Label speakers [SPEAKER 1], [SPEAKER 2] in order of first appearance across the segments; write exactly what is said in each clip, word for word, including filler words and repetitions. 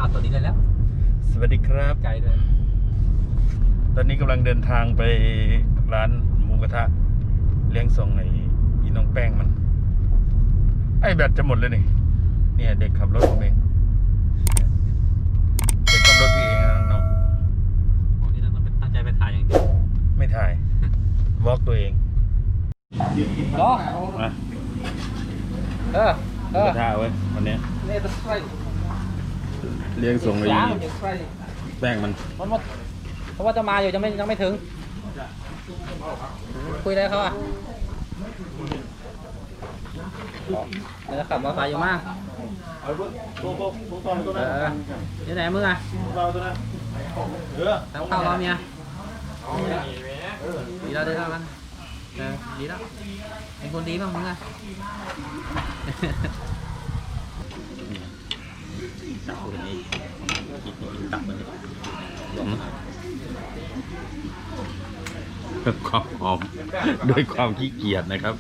[SPEAKER 1] าตัวนี้ได้แล้ว
[SPEAKER 2] สวัสดีครับ
[SPEAKER 1] ไกลด้วย
[SPEAKER 2] ตอนนี้กำลังเดินทางไปร้านหมูกระทะเลี้ยงส่งไอ้อีน้องแป้งมันไอ้แบตจะหมดเลยนี่เนี่ยเด็กขับรถผมเองเด็กขับรถพี่เองนะน้อง
[SPEAKER 1] โอ้นี่ต้องตั้งใจไปถ่ายอย่างเดียว
[SPEAKER 2] ไม่ถ่าย วอล์กตัวเอง
[SPEAKER 1] รอ
[SPEAKER 2] มา
[SPEAKER 1] เออ
[SPEAKER 2] หมูกระทะเว้ยวันนี้เลี้ยงส่งไอ้แป้งมัน
[SPEAKER 1] มันหมดเพราะว่าจะมาอยู่ยังไม่ยังไม่ถึงคุยได้เขาอ่ะเดี๋ยวขับมอเตอร์ไซค์อยู่มากเออยังไหนมึงอ่ะทำข้าวรอเมียดีแล้วดีแล้วมันเออดีแล้วเป็นคนดีบ้างมึงอ่ะตับคนนี้กินตับมันเลย
[SPEAKER 2] ความหอมด้วยความขี้เกียจนะครับ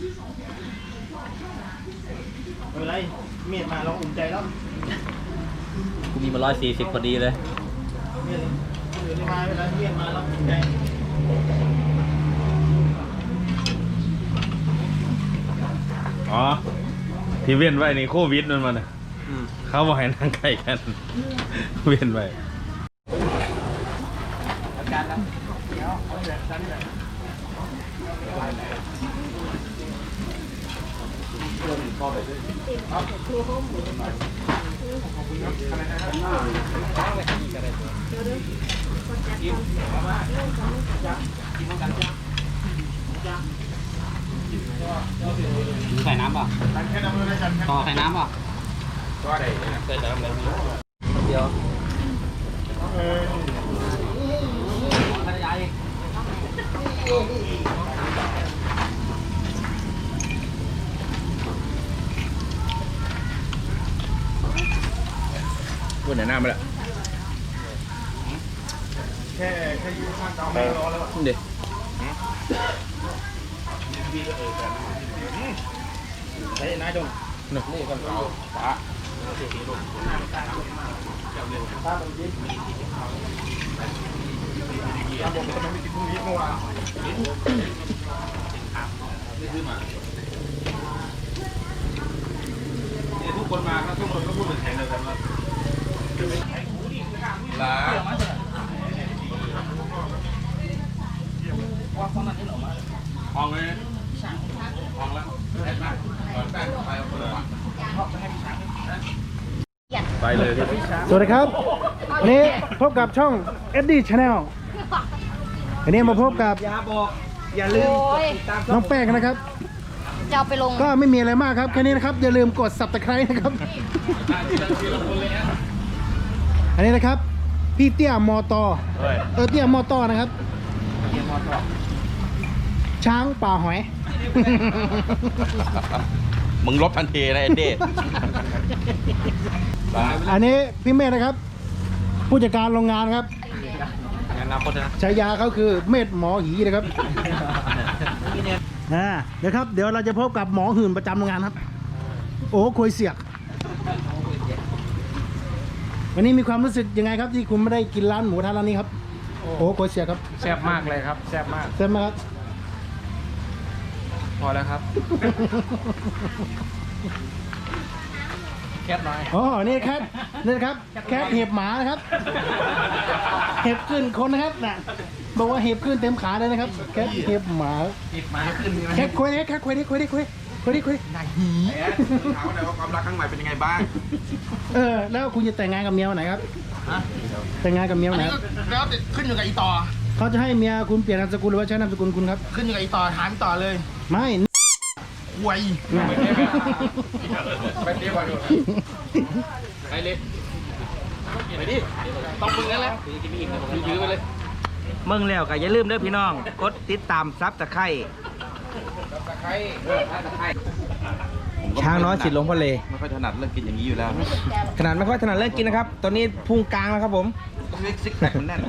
[SPEAKER 3] ไม่เป็นไรเมียมาเราอุ่นใจแล้ว
[SPEAKER 1] กูมีมาร้อยสี่สิบพอดีเลย
[SPEAKER 3] เมียเมียมาไม่เป็นไรเมียมาเราอุ่นใจ
[SPEAKER 2] อ๋อที่เว้นไว้ในโควิดนั่นมันนะเขาบอกให้นั่งใกล้กันเว้นไว้
[SPEAKER 3] อาจารย์นะเดี๋ยวเอาแบบชั้นเลย
[SPEAKER 1] ใส่น้ำป่ะต่อใส่น้ำป่ะก็ได้ใส่น้ำเลยเดี๋ยว
[SPEAKER 2] วันไหนหน้ามาแล้ว
[SPEAKER 3] แค่แค่ยืนข้างเตาไม่รอแล้ว
[SPEAKER 2] เด็ก
[SPEAKER 3] ใช้นายดง
[SPEAKER 2] นี่นี่กันเอาปลา
[SPEAKER 3] ถ้ามันยิ้มถ้าผมจะไม่กินพรุ่งนี้เมื่อวานทุกคนมาครับทุกคนก็พูดเป็นแทนเลยกันว่าลาว่าคนนั้นที่หนูมาห้องเลยห้องแล้วแป้งแป้งไปเอาคนละวัน
[SPEAKER 2] ไปเลย
[SPEAKER 3] สวัสดีครับวันนี้พบกับช่อง เอ็ดดี้ Channel วันนี้มาพบกับอย่าบอกอย่าลืมน้องแป้งนะครับ
[SPEAKER 4] จะเอาไปลง
[SPEAKER 3] ก็ไม่มีอะไรมากครับแค่นี้นะครับอย่าลืมกด ซับสไครบ์ นะครับอันนี้นะครับพี่เตี้ยมอตอเออเตี้ยมอตอนะครับช้างป่าหอย
[SPEAKER 2] มึงลบทันทีนะเอ็ดดี้
[SPEAKER 3] อันนี้พี่เมธนะครับผู้จัดการโรงงานครับ
[SPEAKER 1] งานนาคตนะ
[SPEAKER 3] ฉายาเขาคือเมธหมอหีนะครับอ่าเดี๋ยวครับเดี๋ยวเราจะพบกับหมอหื่นประจำโรงงานครับโอ้คุยเสียกวันนี้มีความรู้สึกยังไงครับที่คุณไม่ได้กินร้านหมูทานร้านนี้ครับโอ้คุยเสียกครับ
[SPEAKER 1] แซ่บมากเลยครับแซ่บมาก
[SPEAKER 3] แซ่บมากครับ
[SPEAKER 1] พอแล้วครับแคทน้อย
[SPEAKER 3] อ๋อนี่แคทนี่ครับแคทเห็บหมานะครับเห็บขึ้นคนนะครับน่ะบอกว่าเห็บขึ้นเต็มขาเลยนะครับแคทเห็บหมา
[SPEAKER 1] เห็บหมาขึ้น
[SPEAKER 3] แคทคุยแคทคุยดิคุยดิคุยคุยดิคุยนายหี
[SPEAKER 2] ถามว่าว่าความรักครั้งใหม่เป็นยังไงบ้าง
[SPEAKER 3] เออแล้วคุณจะแต่งงานกับเมียวันไหนครับแต่งงานกับเมียวันไหน
[SPEAKER 5] แล้วขึ้นอยู่กับอีต่อ
[SPEAKER 3] เขาจะให้เมียคุณเปลี่ยนนามสกุลหรือว่าใช้นามสกุลคุณครับ
[SPEAKER 5] ขึ้นอยู่กับอีต่อถามต่อเลย
[SPEAKER 3] ไม่
[SPEAKER 5] หวย
[SPEAKER 1] ไปเตี้ยก่อนดูไปเลยไปดิต้องมึงแล้วแหละยื้อไปเลย
[SPEAKER 5] มึงแล้วก็อย่าลืมเด้อพี่น้องกดติดตามซับตะไคร้ช้างน้อยสิทธิ์หลวงพ่อเล
[SPEAKER 2] ไม่ค่อยถนัดเรื่องกินอย่างนี้อยู่แล้ว
[SPEAKER 5] ขนาดไม่ค่อยถนัดเรื่องกินนะครับตอนนี้พุงกลางแล้วครับผม
[SPEAKER 2] ซิกแพคมันแน่น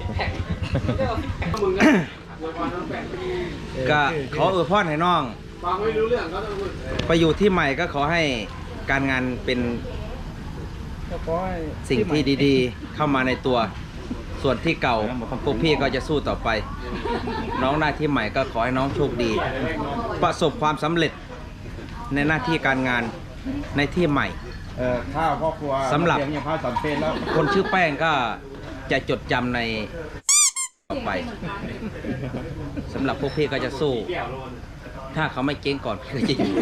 [SPEAKER 5] ก็ขออวยพรให้น้องไปอยู่ที่ใหม่ก็ขอให้การงานเป็นสิ่งที่ดีๆ เข้ามาในตัว ส่วนที่เก่าพวกพี่ก็จะสู้ต่อไป น้องหน้าที่ใหม่ก็ขอให้น้องโชคดี ประสบความสำเร็จในหน้าที่การงานในที่ใหม่
[SPEAKER 2] เอ่อข้าวพ่อครัว
[SPEAKER 5] สำหรับ
[SPEAKER 2] เลี้ยงยังพาสำเป็นแล้ว
[SPEAKER 5] คนชื่อแป้งก็จะจดจำในต่อไปสำหรับพวกพี่ก็จะสู้ ถ้าเขาไม่เจ๊งก่อนพี่ก็จะอยู่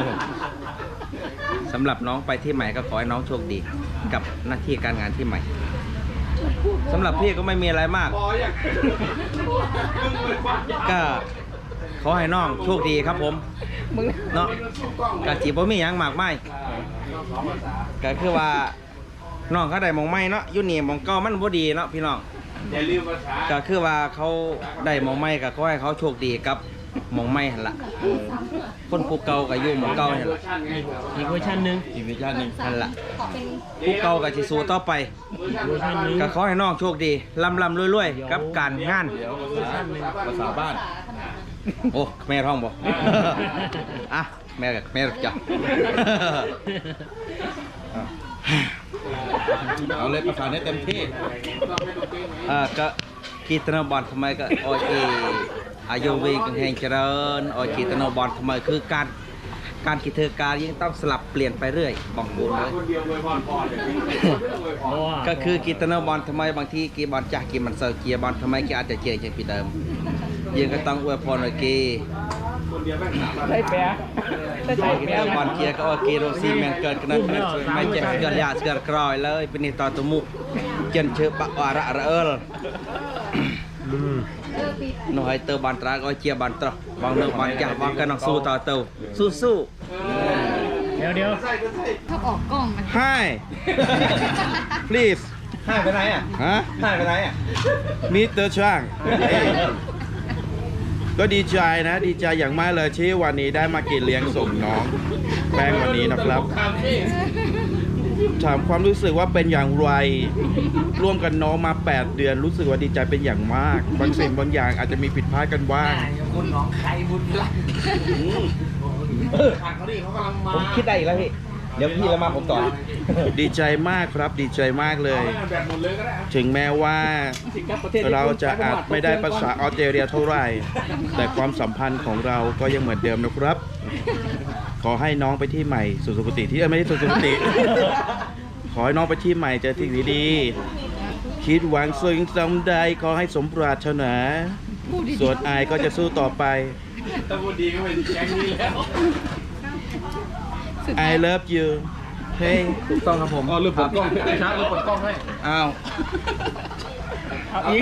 [SPEAKER 5] สำหรับน้องไปที่ใหม่ก็ขอให้น้องโชคดี กับหน้าที่การงานที่ใหม่สำหรับพี่ก็ไม่มีอะไรมาก ก็ขอให้น้องโชคดีครับผมเนาะกะจีบ่มีหยังมากไม่ก็คือว่าน้องเขาได้หมองไม้เนาะอยู่นี่หมองเก่ามันบ่ดีเนาะพี่น้องก็คือว่าเขาได้หมองไม้ก็ขอให้เขาโชคดีกับหมองไม้หั่นล่ะคนผู้เก่าก็อยู่หมองเก่าหั่นล่ะ
[SPEAKER 1] อีกเวอร์ชันหนึ่ง
[SPEAKER 2] อีกวิชาหนึ่ง
[SPEAKER 5] นั่นล่ะผู้เก่าก็สิสู้ต่อไป
[SPEAKER 1] เวอร์ชันหนึ่ง
[SPEAKER 5] ก็ขอให้น้องโชคดีร่ำร่ำรวยๆกับการงาน
[SPEAKER 2] ภาษาบ้าน
[SPEAKER 5] โอ้แม่ท้องบ่ อ่ะแม่แม่จ้ะ
[SPEAKER 2] เอาเลยภาษาได้เต็มที่
[SPEAKER 5] อ่าก็กีตนาบอลทำไมก็โอเคอายุวีกันแห่งเจริญโอกีตนาบอลทำไมคือการการกิจการยังต้องสลับเปลี่ยนไปเรื่อยบอกบุญเลย ก็คือกีตนาบอลทำไมบางทีกีบอลจากกีมันเซอร์เกียบอลทำไมกีอาจจะเจอจากปีเดิมยังก็ต้องอวยพรโอเค
[SPEAKER 1] ได้แปะได้
[SPEAKER 5] ใช่
[SPEAKER 1] แปะ
[SPEAKER 5] กีบอลเกียก็โอเคโรซีแมนเกิดกันนั่นไม่เจ็บเกิดยาเกิดกรอยเลยเป็นต่อตุมุเจนเชื่อปะวาระระเอลน้อยเตอร์บอลตราก็เชียบอลตรบางเรื่องบอลจ่าบางก็น้องสู้ต่อเตอสู้สู้
[SPEAKER 1] เดี๋ยวเดี๋ยว
[SPEAKER 4] ชอบออกกล้องมัน
[SPEAKER 2] Hi please
[SPEAKER 5] ให้ไปไหนอ่ะ
[SPEAKER 2] ฮะ
[SPEAKER 5] ให้ไปไหนอ่ะ
[SPEAKER 2] มิสเตอร์ช่างก็ดีใจนะ ดีใจอย่างมากเลยที่วันนี้ได้มากินเลี้ยงส่งน้องแป้งวันนี้นะครับ ถามความรู้สึกว่าเป็นอย่างไร ร่วมกันน้องมาแปดเดือนรู้สึกว่าดีใจเป็นอย่างมาก บางสิ่งบางอย่างอาจจะมีผิดพลาดกันบ้าง
[SPEAKER 5] คุณน้องใครบุญละผมคิดได้อีกแล้วพี่ เดี๋ยวพี่แล้วมาผมต่อ
[SPEAKER 2] ดีใจมากครับดีใจมากเลย ถึงแม้ว่าเราจะอาจไม่ได้ภาษาออสเตรเลียเท่าไหร่ แต่ความสัมพันธ์ของเราก็ยังเหมือนเดิมนะครับ ขอให้น้องไปที่ใหม่สุสุคติที่เอ้ยไม่ใช่สุสุคติ ขอให้น้องไปที่ใหม่เจอสิ่งดีๆคิดหวังสิ่งสำใดขอให้สมปรารถนาส่วนอายก็จะสู้ต่อไป I love you เฮ้ย
[SPEAKER 5] ถูกต้องครับผม
[SPEAKER 2] อ๋อลืมเปิดกล้องช้าลืมเปิดกล้องให้
[SPEAKER 5] อ้าว
[SPEAKER 1] อีก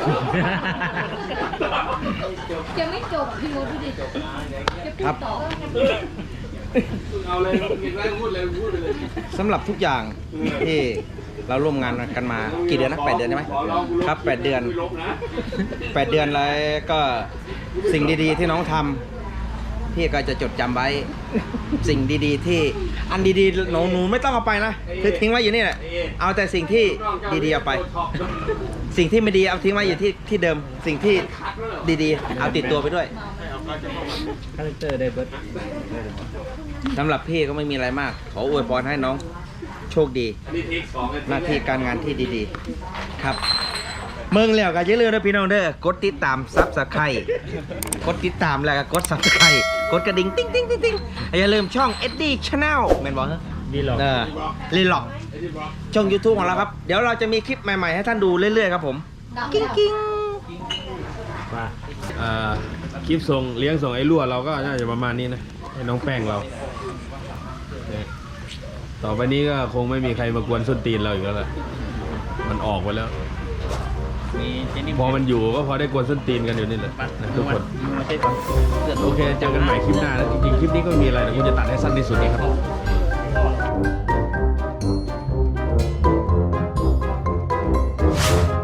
[SPEAKER 4] จะไม่จบพี่มดดูดิจะพูดต่อ
[SPEAKER 1] เอาเลยกินแล้วพูดเลยพูดเลย
[SPEAKER 5] สำหรับทุกอย่างที่เราร่วมงานกันมากี่เดือนนะแปดเดือนใช่ไหมครับแปดเดือนแปดเดือนแล้วก็สิ่งดีๆที่น้องทำพี่ก็จะจดจำไว้สิ่งดีๆที่อันดีๆหนูหนูไม่ต้องเอาไปนะคือทิ้งไว้อยู่นี่แหละเอาแต่สิ่งที่ดีๆเอาไป สิ่งที่ไม่ดีเอาทิ้งไว้อยู่ที่ที่เดิมสิ่งที่ดีๆเอาติดตัวไปด้วย
[SPEAKER 1] คาแรคเตอร์ได้เบิร์ด
[SPEAKER 5] สำหรับพี่ก็ไม่มีอะไรมาก ขออวยพรให้น้องโชคดี หน้าที่การงานที่ดีๆ ครับ เมืองแล้วก็อย่าลืมนะพี่น้องเด้อกดติดตามซับสไครต์กดติดตามแล้วก็กดซับสไครต์กดกระดิ่งติ๊งติ๊งติ๊งติ๊งอย่าลืมช่อง เอ็ด ดี Channel แม่นบอกเหรอ
[SPEAKER 1] ดีหรอก
[SPEAKER 5] เออรีล็อกช่อง YouTube ของเราครับ เดี๋ยวเราจะมีคลิปใหม่ๆให้ท่านดูเรื่อยๆครับผม กิ้งกิ้ง
[SPEAKER 1] ว่า
[SPEAKER 2] อ่าคลิปส่งเลี้ยงส่งไอ้รั่วเราก็น่าจะประมาณนี้นะให้น้องแป้งเราเนี่ยต่อไปนี้ก็คงไม่มีใครมากวนส้นตีนเราอีกแล้วแหละมันออกไปแล้ว
[SPEAKER 1] มีเจนนี่
[SPEAKER 2] พอมันอยู่ก็พอได้กวนส้นตีนกันอยู่นี่แหละนะทุกคน
[SPEAKER 1] ไม่ใช่ก่อน
[SPEAKER 2] โอเคเจอกันใหม่คลิปหน้านะจริงๆคลิปนี้ก็ไม่มีอะไรแต่กูจะตัดให้สั้นที่สุดนี่ครับ